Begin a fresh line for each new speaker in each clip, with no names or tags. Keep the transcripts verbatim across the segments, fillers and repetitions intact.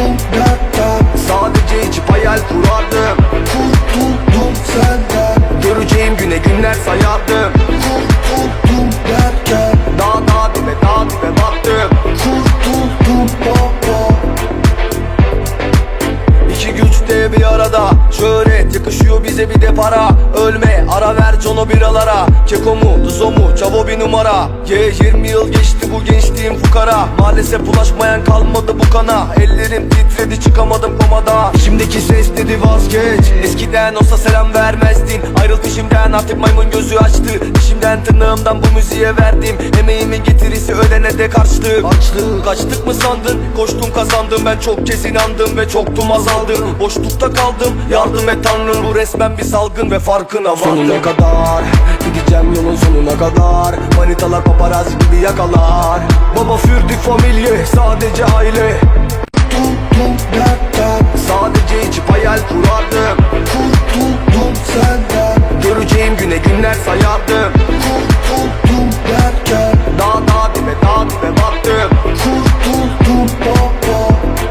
Kurtuldum dertten,
sadece içip hayal kurardım.
kurtuldum senden.
Göreceğim güne günler sayardım.
Kurtuldum derken,
Dağ dağ dibe dağ dibe battım.
kurtuldum baba.
İki güç de bir arada, şöhret yakışıyor bize bir de para. Ölme ara ver Jono biralara. Keko mu Duzo mu Çavo bir numara. Ye yirmi yıl geçti bu gençliğim fukara. Maalesef ulaşmayan kalmadı bu kana. Ellerim titredi çıkamadım komada. Şimdiki ses dedi vazgeç. Eskiden olsa selam vermezdin. Ayrıl peşimden artık maymun gözü açtı. İşimden tırnağımdan bu müziğe verdim. Emeğimin getirisi ölene de karşılık. Açlık kaçtık mı sandın? Koştum kazandım, ben çok kez inandım ve çoktum azaldım. Boşlukta kaldım, yardım et tanrım. Bu resmen bir salgın ve farkına vardım. Sonuna kadar gideceğim, yolun sonuna kadar. Manitalar paparazzi gibi yakalar. Baba fürdük familye, sadece aile.
Kurtuldum dertten,
Sadece içip hayal kurardım.
kurtuldum senden.
Göreceğim güne günler sayardım.
Kurtuldum derken,
Dağ dağ dibe dağ dibe battım.
kurtuldum baba.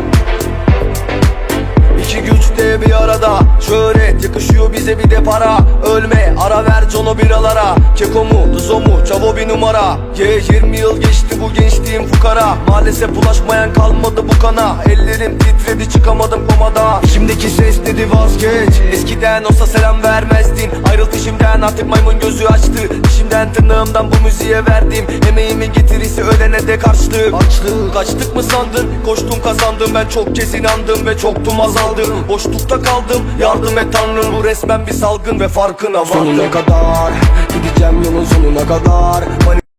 İki güç de bir arada, şöhret yakışıyor bize bir de para. Ölme ara ver Jono biralara. Keko mu Duzo mu Çavo bir numara. Ye yirmi yıl geçti bu gençliğim fukara. Maalesef ulaşmayan kalmadı bu kana. Ellerim titredi çıkamadım komada. Şimdiki ses dedi vazgeç. Eskiden olsa selam vermezdin. Ayrıl peşimden artık maymun gözü açtı. İşimden tırnağımdan bu müziğe verdim. Emeğimin getirisi ölene de karşılık. Açlık kaçtık mı sandın? Koştum kazandım, ben çok kez inandım ve çoktum azaldım. Boşlukta kaldım, yardım et tanrım. Bu resmen bir salgın ve farkına vardım. Sonuna kadar gideceğim, yolun sonuna kadar.